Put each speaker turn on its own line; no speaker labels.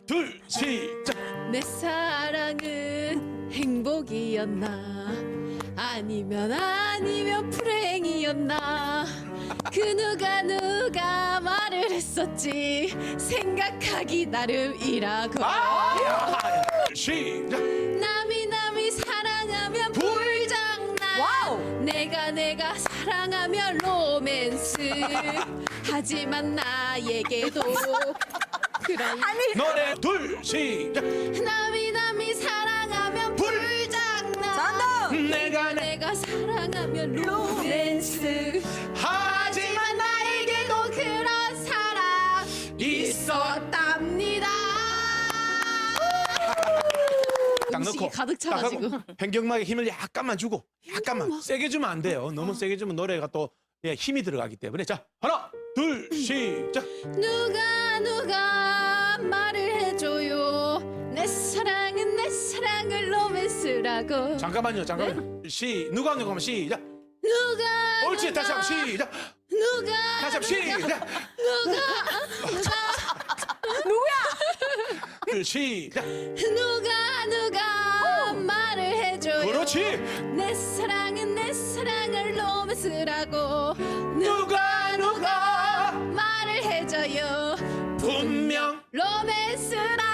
둘, 시작.
내 사랑은 행복이었나 아니면 불행이었나 그 누가 말을 했었지 생각하기 나름이라고
시작.
남이 사랑하면 불장난
와우.
내가 사랑하면 로맨스 하지만 나에게도 그런
노래 둘, 시작.
남이 사랑하면 불장난
정답.
내가 사랑하면 로맨스
하지만
나에게도 그런 사랑 있었답니다.
딱
음식이
넣고
가득 차가지고.
딱 하고 변경막에 힘을 약간만 주고 약간만 세게 주면 안 돼요. 너무 세게 주면 노래가 또 예, 힘이 들어가기 때문에 자 하나 둘 시작.
누가 말을 해줘요 내 사랑을 로맨스라고
잠깐만요. 누가 하면 시작.
누가
옳지. 다시 한번 시작.
누가
다시 한번 시작. 둘, 시작.
누가 말을 해줘요
그렇지.
내 사랑을 로맨스라고
누가
말을 해줘요
분명
로맨스라고